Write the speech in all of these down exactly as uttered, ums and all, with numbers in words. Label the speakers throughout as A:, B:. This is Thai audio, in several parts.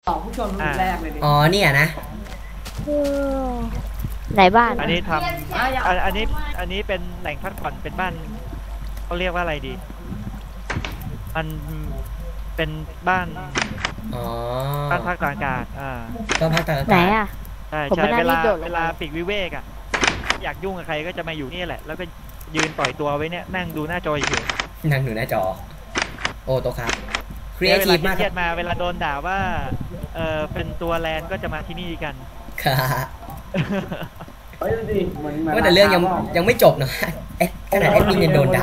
A: ต่อผู้ชมรุ่นแรกเลยดิ
B: อ๋อเนี่ยนะ
C: ไหนบ้าน
D: อันนี้ทำอันนี้อันนี้เป็นแหล่งพักผ่อนเป็นบ้านเขาเรียกว่าอะไรดีมันเป็นบ้าน
B: อ๋อ
D: บ้านพักตากอากาศอ่า
B: บ้านพักตากอากาศ
C: ไหนอ่ะ
D: ใช่ใช่เวลาเวลาปีกวิเวกอ่ะอยากยุ่งกับใครก็จะมาอยู่นี่แหละแล้วก็ยืนปล่อยตัวไว้เนี่ยนั่งดูหน้าจออยู่
B: นั่งดูหน้าจอโอ้โตครับครีเอทีฟมาก
D: เครียดมาเวลาโดนด่าว่าเออเป็นตัวแลนก็จะมาที่นี่กัน
B: ค่ะ
A: เฮ้ยดูดิเหมือน
B: ว่าแต่เรื่องยังยังไม่จบนะเอ๊ะขนาดแอดมินยังโดนด่า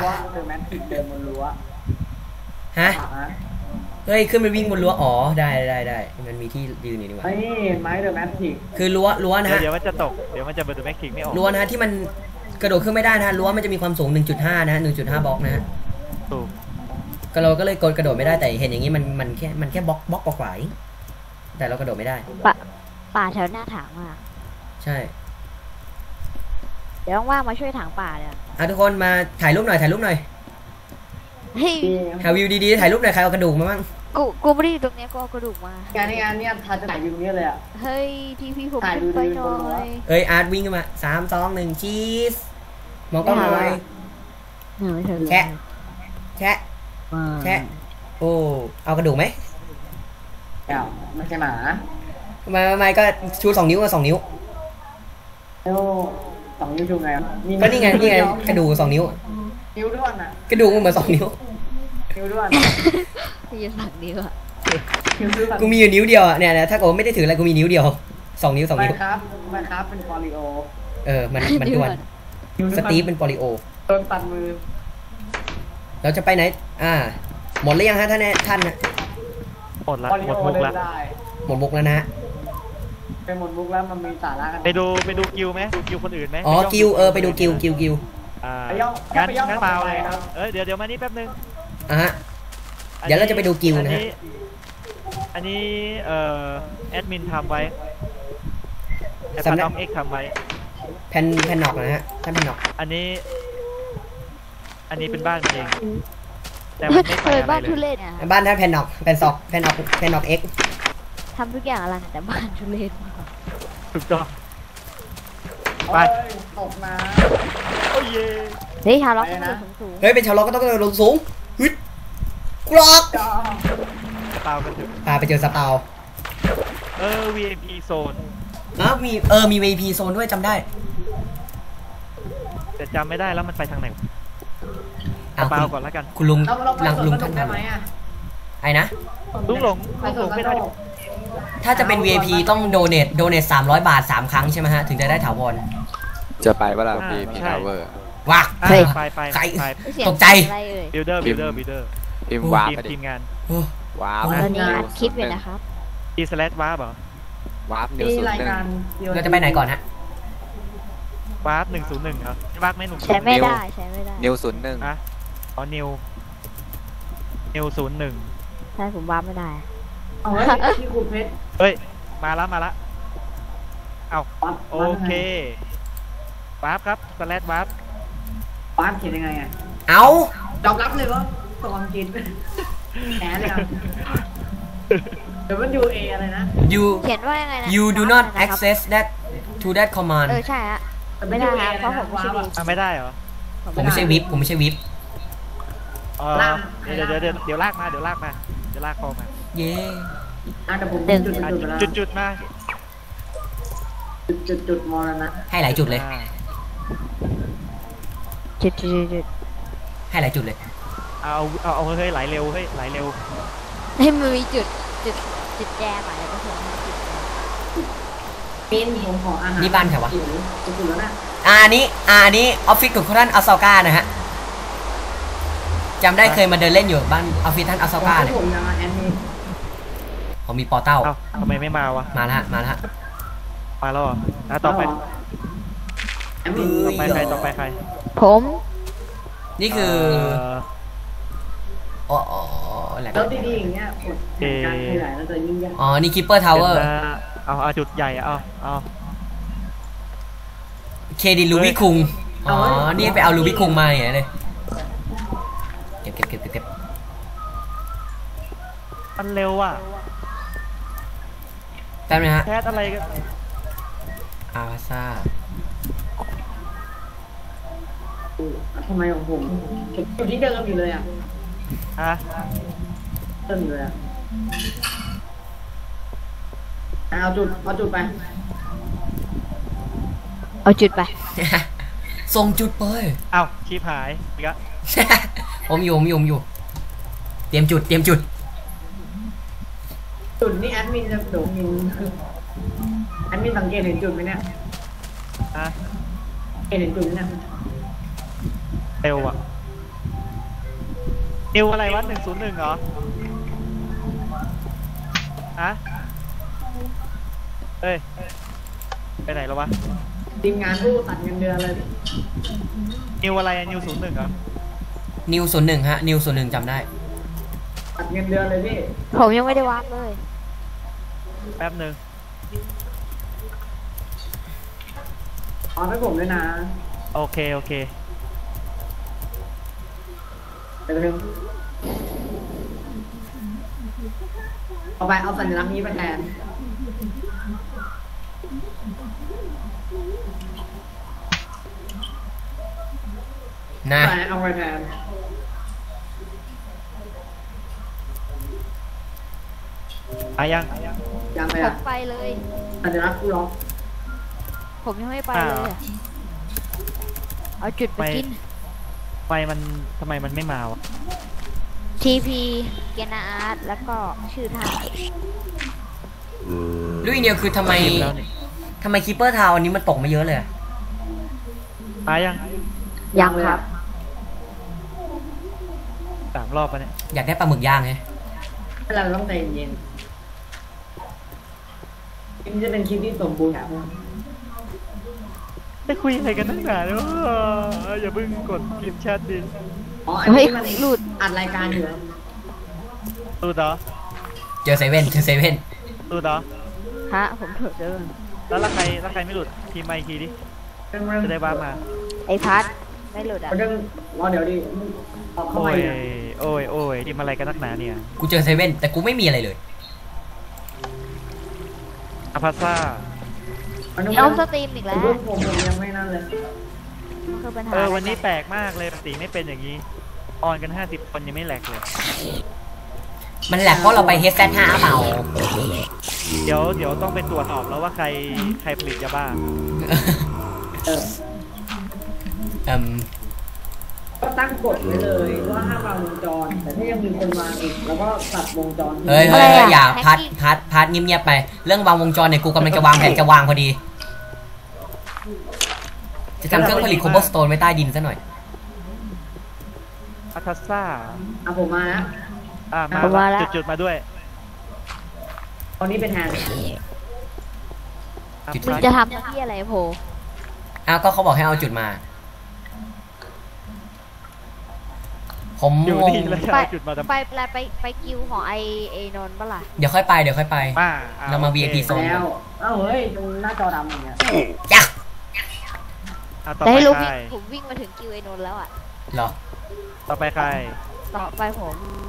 B: ฮะเฮ้ยขึ้นไปวิ่งบนรั้วอ๋อได้ได้ได้มันมีที่ยืนอยู่นี่หว่า
A: นี่ไม้เดอะแมทริก
B: คือรั้วรั้วนะฮะ
D: เดี๋ยวมันจะตกเดี๋ยวมันจะเบอร์เดอะแมทริกไม่ออก
B: รั้วนะที่มันกระโดดขึ้นไม่ได้นะรั้วมันจะมีความสูง หนึ่งจุดห้า นะ หนึ่งจุดห้า บล็อกนะฮะ
D: ถูก
B: ก็เราก็เลยกดกระโดดไม่ได้แต่เห็นอย่างนี้มันมันแค่มันแค่บล็อกบล็อกกว่าๆแต่เรากระโดดไม่ได้
C: ป่าป่าแถวหน้าถางมาก
B: ใช่
C: เดี๋ยวว่างมาช่วยถางป่าเนี่ย
B: อ่ะทุกคนมาถ่ายรูปหน่อยถ่ายรูปหน่อยหาวิวดีๆถ่ายรูปหน่อยใครเอากระดูกมาบ้าง
C: กูกูไม่ได้อยู่ตรงนี้กูเอากระดูกมาง
A: านนี้งานนี้ทาจะถ่ายวิวนี้เลยอ่ะ
C: เฮ้ยทีพีผมขึ้นไปหน่อย
B: เอ้ยอาร์ตวิ่งขึ้นมาสามสองหนึ่งชีสมองกล้องหน่อยแชะแชะแชะโอ้เอากระดูกไหม
A: เอ้าไม่ใช่หมา
B: ไม่ไม่ก็ชูสองนิ้วกับสองนิ้ว
A: โอ้สองนิ้วชูไง
B: ก็นี่ไงนี่ไงกระดูกสองนิ้ว
A: นิ้วด้วนอ่ะ
B: กระดูกมันเหมือนสองนิ้ว
A: นิ้วด้วน
C: มีอยู่สองนิ้วอ่ะ
B: กูมีอยู่นิ้วเดียวอ่ะเนี่ยถ้าเกิดไม่ได้ถืออะไรกูมีนิ้วเดียวสองนิ้วสองนิ้ว
A: ครับมันครับเป็นปอลิโอ
B: เออมันมันด้วนสตีฟเป็นปอลิโอ
A: โดนตัดมือ
B: เราจะไปไหนอ่าหมดหรือยังฮะท่านท่านนะ
D: หมดละหมดมุกละ
B: หมดมุกแล้วนะ
A: เป็นหมดมุกแล้วมันมีสาระกัน
D: ไปดูไปดูกิวไหมดูกิวคนอื่นไหม
B: อ๋อกิวเออไปดูกิวกิวกิว
D: อ่างั้นงั้นเปล่าเลยครับเออเดี๋ยวเดี๋ยวมานี่แป๊บนึง
B: อ่ะฮะเดี๋ยวเราจะไปดูกิวนะฮะ
D: อันนี้เอ่อแอดมินทำไว้สำนักเอ็กทำไว้
B: แผ่นแผ่นนอกนะฮะท่านแผ่นนอก
D: อันนี้อันนี้เป็นบ้านเองแต่มันไม่ไปอะไรเลย
B: บ้านท่านแผ่นนอกแผ่นซอกแผ่นนอกแผ่นนอกเอ็ก
C: ทำทุกอย่างอะไรแต่บ้านทุเรศ
D: ถูกต้องไป
A: ตกน้
D: ำโอ้ย
C: เฮ้ยชาวล็อกต้องโดดสูง
B: เฮ้ยเป็นชาวล็อกก็ต้องโดดสูงฮึดกรอก
D: สปาวกันถึง
B: พาไปเจอสปาว
D: เออ วี ไอ พี โซน
B: อ๋อมีเออมี วี ไอ พี โซนด้วยจำได้
D: แต่จำไม่ได้แล้วมันไปทางไหนสปาวก่อนแล้วกัน
B: คุณลุงหลังลุงท่านทำไอ้นะ
D: ลุงหลงลุงหลงไม่ได้
B: ถ้าจะเป็น วี ไอ พี ต้องโดเนทโดเนทสามร้อยบาทสามครั้งใช่ไหมฮะถึงจะได้ถาวร
E: จะไปเวลา วี ไอ พี Tower
B: ว้า
D: ไปไปไป
B: ใครตกใจ
D: บิลเดอร์บิลเดอร์บิลเดอร์
E: ทีมวาร์ป
D: ทีมงาน
E: วาร์ป
C: ตอนนี้อัดคลิปอยู่นะครับ
D: ทีสแลชวาร์ปเหรอ
E: วาร์ปนิวศูนย์หนึ่ง
B: เราจะไปไหนก่อนฮะ
D: วาร์ปหนึ่งศูนย์หนึ่งครับวาร์ปไม่หนุ่ม
C: ใช้ไม่ได้ใช้ไม่ได้
E: นิวศูนย์หนึ่ง
D: อ่ะอ๋อนิวนิวศูนย์หนึ่ง
C: ใช่ผมวาร์ปไม่ได้
A: เอาไว้ที่คุณเพชร
D: เฮ้ยมาแล้วมาแล้วเอาโอเควาร์ปครับสแลชวาร์ป
A: วาร์ปเขียนยังไงอ่ะ
B: เอา
A: ยอมรับเลยว่าตกความจริงแหนเลยครับเดี๋ยวมันยูเออะไรนะ
B: you
C: เขียนว่ายังไงนะ
B: you do not access that to that command
C: เออใช่ฮะไม่ได้ฮะเพราะผมไม่ใช่วิป
D: ไม่ได้เหรอ
B: ผมไม่ใช่วิปผมไม่ใช่วิป
D: เดี๋ยวเดี๋ยวเดี๋ยวเดี๋ยวลากมาเดี๋ยวลากมาเดี๋ยวลากคอมา
B: เย้
D: จุดจุดมา
A: จุดจุดมอนะ
B: ให้หลายจุดเลย
C: จุดจุดจุด
B: ให้หลายจุดเลย
D: เอาเอาเอาเฮ้ยไหลเร็วเฮ้ยไหลเร็ว
C: ให้มันมีจุดจุดจุดแย่ไปแล้วก็ส่งให้จุด
A: เป็นผมขออาหาร
B: นี่บ้านแถววะ
A: จุดจุดแล้วนะ
B: อ่านี้อ่านี้ออฟฟิศของท่านอัลซาก้านะฮะจำได้เคยมาเดินเล่นอยู่บ้านออฟฟิศท่านอัลซาก้าเนี่ยผมมีปอเต้า
D: ทำไมไม่มาวะ
B: มาแล้วมาแล้ว
D: มาแล้วอ่ะต่อไปต่อไปใครต่อไปใคร
C: ผม
B: นี่คืออ๋อแหละ
A: แล้วดีๆอย่างเงี้ยการขยายแล้วจะยิ่งใหญ่
B: อ๋อนี่คิปเปอร์ทาวเวอร์
D: เอาเอาจุดใหญ่เอาเอา
B: เคดินลูบี้คุงอ๋อนี่ไปเอาลูบี้คุงมาเนี่ยเลยเก็บเก็บเก็บเก็บ
D: มันเร็วอ่ะ
B: แป๊บนึงฮะ
D: แคสอะไรกัน
B: อาร์ซ่า
A: ทำไมของผมอยู่ที่เดิมอยู่เลยอ่ะ
D: ฮะ
A: เดิมอยู่เลยอ่ะเอาจุดเอาจุดไป
C: เอาจุดไป
B: ส่งจุดไป
D: เอ้าชีพหายอีกแล้ว
B: ผมอยู่ผมอยู่ผมอยู่ เตรียมจุดเตรียมจุด
A: จุดนี่แอดมินจะโดดมินแอดมินสังเกตเห็นจุดไหมเนี่ย
D: ฮะ
A: เห็นจุดเนี่ย
D: เร็วอ่ะนิวอะไรวะหนึ่งศูนย์หนึ่งเหรอฮะเอ้ยไปไหนแล้ววะ
A: ทีมงานผู้ตัดเงินเดือนเลย
D: นิวอะไรอะนิวศูนย์หนึ่งเหรอ
B: นิวศูนย์หนึ่งฮะ นิวศูนย์หนึ่งจำได้
A: ตัดเงินเดือนเลยพี่
C: ผมยังไม่ได้วาร์ปเลย
D: แป๊บหนึ่ง
A: เอาให้ผมด้วยนะ
D: โอเคโอเค
A: เดี๋ยวนึงเอาไปเอาสัญลักษณ์นี้ไปแทน
B: นะ
A: ไปเอาไปแทน
D: อายัง
A: ยังไง
C: ผ
A: อ่ะ
C: มไปเลย
A: สัญลักษณ์กูล็อก
C: ผมยังไม่ไปเลยอะเอาจุดไปกิน
D: ไฟมันทำไมมันไม่มาวะ
C: ทีพีเกนาอาร์ตแล้วก็ชื่อท่า
B: ลุยเดียวคือทำไม
D: พิมพ์แล้วนี่
B: ทำไมคีเปอร์ทาวอันนี้มันตกมาเยอะเลยอะ
D: อายัง
C: ยังครับ
D: สามรอบปะเนี่ย
B: อยากได้ปลาหมึกย่างไง
A: เราต้องใจเย็นคลิปจะเป็นคลิปที่สมบูรณ์แบบ
D: ไปคุยอะไรกันนักหนาเนี่ยอย่าเพิ่งกดพิมพ์แชทดิ
A: อ๋ออันนี้มันหลุดอัดรายการอยู่
D: ตูดเหรอ
B: เจอเซเว่นเจอเซเว่น
D: ตูดเหรอ
C: ฮะ ผมถูกเดิน
D: แล้วละใครละใครไม่หลุดพิมพ์มาอีกทีดิจะได้บ้ามา
C: ไอพัดไม่หลุดอ่ะ
A: เรื่องรอเดี๋ยวดิออกเข้า
D: โอ้
A: มาย เนี่ย
D: โอ้ยโอ้ยพิมพ์อะไรกันนักหนาเนี่ย
B: กูเจอเซเว่นแต่กูไม่มีอะไรเลย
D: อาพาซ่า
A: มันต้อง
C: เอาสตรีมอีกแล้ว
A: ผมผมผมยังไม่นั่นเลย
C: มันคือปัญหา
D: เออวันนี้แปลกมากเลยปกติไม่เป็นอย่างนี้ออนกันห้าสิบคนยังไม่แหลกเลย
B: มันแหลกเพราะเราไปเฮดแซดห้าเปล่า
D: เดี๋ยวเดี๋ยวต้องไปตรวจสอบแล้วว่าใครใครผลิตยาบ้า
A: เออ
B: เอ่ม
A: ก็ตั้งกฎไว้เลยว่าห้ามวางวงจร แต่ถ้ายังมีคนวางอีกแล้วก็ตัดวงจร
B: เฮ้ยเฮ้ยเฮ้ยอย่าพัดพัดพัดเงียบๆไป เรื่องวางวงจรเนี่ยกูกำลังจะวางแผนจะวางพอดี จะทำเครื่องผลิตโคบอลสโตนไว้ใต้ดินซะหน่อย
D: อาพาซ่า
A: อ่ะผมมานะ
D: อ่ามา
C: ผมมาแล้ว
D: จุดจุดๆมาด้วย
A: ตอนนี้เป็นแทน
B: จุด
C: มึงจะทำหน้าที่อะไรโผ
B: อ้าวก็เขาบอกให้เอาจุดมา ผม
D: อยู่
B: งง
D: ดีแล้วจะ
C: ไป
D: เอาจุดมาทำไม
C: ไปไปไปไปกิวของไอไอนนท์ปะล่ะ
B: เดี๋ยวค่อยไปเดี๋ยวค่อยไป
D: อ่า
B: เรามา
D: โอค
B: วี ไอ พี โซน
A: แล้วเอ้าเฮ้ยตรงหน้าจอดำอย่างเงี้ย
B: จ้ะ
D: อ่ะต่อ
C: แต่
D: ไป
C: ให้รู้
D: ใคร
C: วิ่งผมวิ่งมาถึงกิวไอนนท์แล้วอ่ะ
B: เหรอ
D: ต่อไปใคร
C: ต่อไปผม